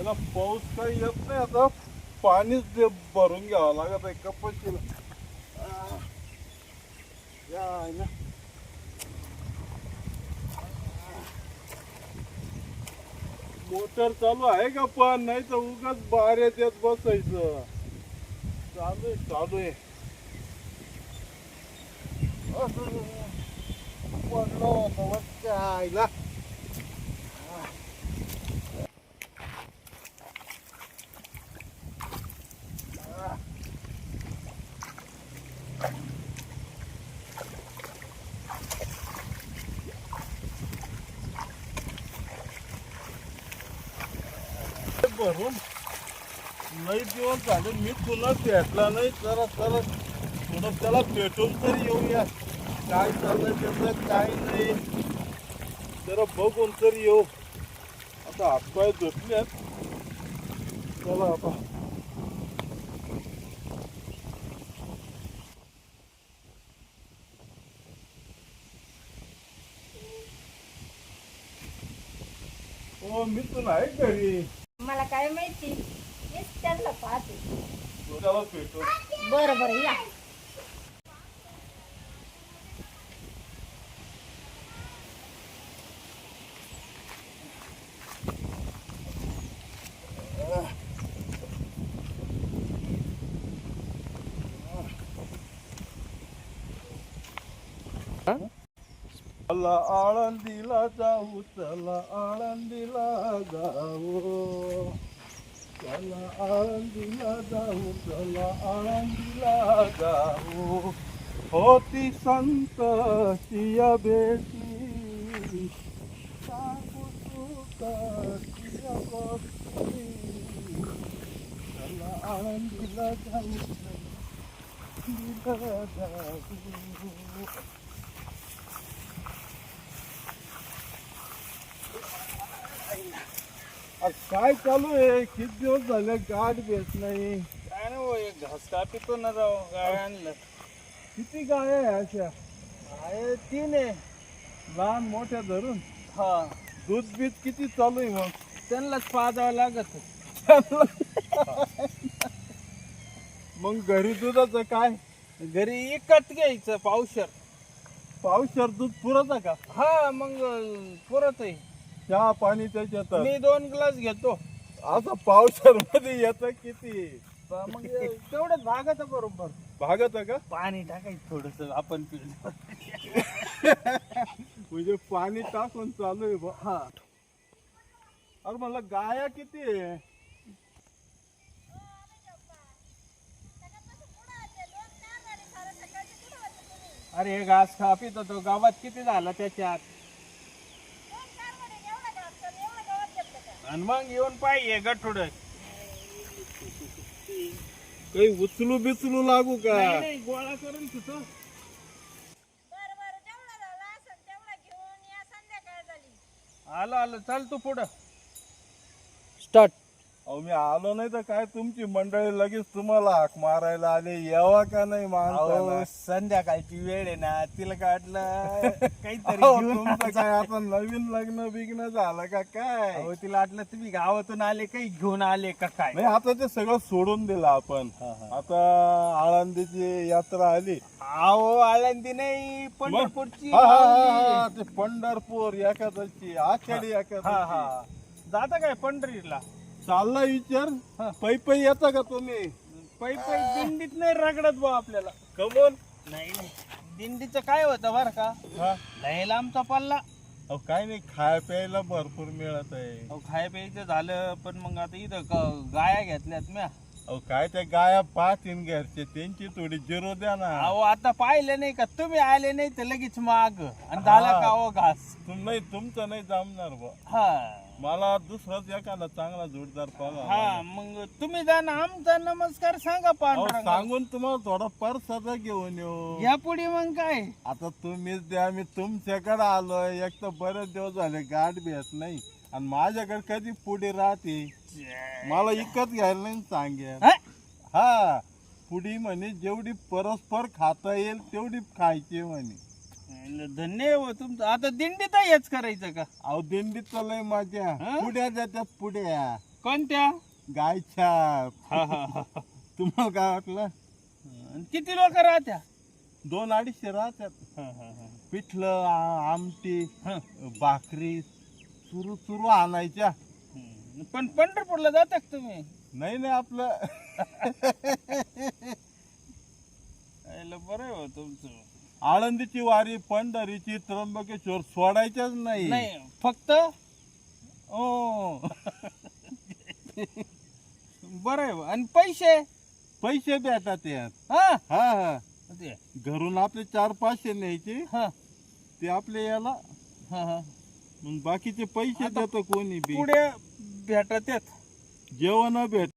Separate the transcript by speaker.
Speaker 1: याला पाऊस काही येत नाही आता. पाणीच ते भरून घ्यावं लागत आहे कपाशीला. या ना मोटर चालू आहे का? पण नाही तर उगाच बाहेर येत बसायचं. चालू आहे पडलो होता आईला. भरून लई दिवस झाले मी तुला भेटला नाही. जरा थोडं त्याला भेटून तरी येऊया. काय चाललंय त्याचं काय नाही जरा बघून तरी येऊ. आता हातपाय धुतल्यात. चला आता हो मी तुला आहे घरी.
Speaker 2: मला काय माहिती मीच त्यांना पाहते.
Speaker 1: त्याला भेटू.
Speaker 2: बरं बरं या.
Speaker 1: चला आळंदीला जाऊ, चला आळंदीला जाऊ, चला आळंदीला जाऊ, चला आळंदीला जाऊ. होती संत सिया बेटी सांगू तुका सिया गोष्टी. चला आळंदीला जाऊ, आळंदीला जाऊ. काय चालू आहे? किती दिवस झाले गाठ भेट नाही.
Speaker 3: काय ना भाऊ एक घास कापितो ना राव. गाय आणलं.
Speaker 1: किती गाय आहे अशा?
Speaker 3: आहे 3 आहे.
Speaker 1: लहान मोठ्या धरून.
Speaker 3: हा
Speaker 1: दूध बीत किती चालू आहे मग?
Speaker 3: त्यांनाच पाजावं लागत.
Speaker 1: मग घरी दुधाचं काय?
Speaker 3: घरी एकच घ्यायचं पावशर.
Speaker 1: पावशर दूध पुरत का?
Speaker 3: हा मग पुरत आहे.
Speaker 1: चहा पाणी त्याच्यात
Speaker 3: मी 2 ग्लास घेतो.
Speaker 1: आता पावशर मध्ये येत किती?
Speaker 3: मग तेवढंच भागत बरोबर.
Speaker 1: भागत का?
Speaker 3: पाणी टाकायचं थोडस आपण पिलं.
Speaker 1: म्हणजे पाणी टाकून चालू आहे.
Speaker 3: हा
Speaker 1: अरे मला गाया किती आहे?
Speaker 3: अरे हे घास खा पितो तो गावात किती झाला त्याच्यात. आणि मग येऊन पाहिजे गठुड.
Speaker 1: काही उचलू बिचलू लागू का?
Speaker 3: नाही गोळा करून तिथं. आलो आलो चल तू पुढं. स्टार्ट.
Speaker 1: अहो मी आलो नाही तर काय तुमची मंडळी लगेच तुम्हाला हाक मारायला आले. यावा का नाही माणसाला?
Speaker 3: संध्याकाळची वेळ आहे ना तिला काढलं काहीतरी
Speaker 1: अहो,
Speaker 3: घेऊन
Speaker 1: तुमचं काय आता नवीन लग्न बिग्न झालं का काय?
Speaker 3: अहो, तिला वाटलं तुम्ही गावातून आले काही घेऊन आले का काय.
Speaker 1: नाही आता ते सगळं सोडून दिलं आपण. आता आळंदीची यात्रा आली.
Speaker 3: अहो आळंदी नाही पंढरपूरची.
Speaker 1: ते पंढरपूर एखाद्याची आषाढी एखाद्याची.
Speaker 3: जाता काय पंढरीला?
Speaker 1: चालला विचार. पै येता का तुम्ही?
Speaker 3: पै दिंडीत नाही रगडत भाऊ आपल्याला.
Speaker 1: कमोन
Speaker 3: नाही नाही दिंडीचं काय होतं बरं का? लय लांबचा पल्ला.
Speaker 1: अहो काय नाही खाय प्यायला भरपूर मिळत आहे.
Speaker 3: अहो खाय प्यायचं झालं पण मग आता इथं गाया घेतल्यात म्या.
Speaker 1: अहो काय त्या गाया पाहतीन घरचे त्यांची थोडी जिरो द्या ना.
Speaker 3: अहो आता पाहिलं नाही का तुम्ही आले नाही तर लगेच माग आणि झाला का अहो घास.
Speaker 1: नाही तुमचं नाही जमणार बा.
Speaker 3: हा
Speaker 1: मला दुसराच एखादा चांगला जोडदार पाहा.
Speaker 3: हा मग तुम्ही जा ना आमचा नमस्कार सांगा पांढरा.
Speaker 1: सांगून तुम्हाला थोडा परसाचा घेऊन येऊ.
Speaker 3: या पुढे मग काय.
Speaker 1: आता तुम्हीच द्या. मी तुमच्याकडे आलोय. एक तर बरेच दिवस झाले गाठ भेट नाही आणि माझ्याकडे कधी पुढे राहते. मला इकत घ्यायला नाही सांगेल. हा पुढी म्हणे जेवढी परस्पर खाता येईल तेवढी खायची म्हणे.
Speaker 3: धन्य हो तुमचं. आता दिंडीत हेच करायचं का?
Speaker 1: अहो दिंडीत लय माझ्या पुढ्या जात्यात पुढ्या.
Speaker 3: कोणत्या?
Speaker 1: गायच्या.
Speaker 3: हा हा हा.
Speaker 1: तुम्हाला काय वाटलं?
Speaker 3: आणि किती लोक राहत्या?
Speaker 1: 200-250 राहतात.
Speaker 3: हा हा हा.
Speaker 1: पिठलं आमटी
Speaker 3: हा.
Speaker 1: भाकरी चुरू चुरू आणायच्या.
Speaker 3: पण पंढरपूरला जाता का तुम्ही?
Speaker 1: नाही नाही आपलं
Speaker 3: यायला बरं आहे हो तुमचं.
Speaker 1: आळंदीची वारी पंढरीची त्र्यंबकेश्वर सोडायच्याच नाही.
Speaker 3: नाही फक्त ओ बरं आहे. आणि पैसे?
Speaker 1: पैसे भेटतात यात.
Speaker 3: हा
Speaker 1: हा हा
Speaker 3: ते
Speaker 1: घरून आपले 400-500 न्यायचे
Speaker 3: हा
Speaker 1: ते आपले याला
Speaker 3: हा हा.
Speaker 1: मग बाकीचे पैसे
Speaker 3: आता
Speaker 1: देतं कोणी बी.
Speaker 3: पुढे भेटत आहेत.
Speaker 1: जेवण भेट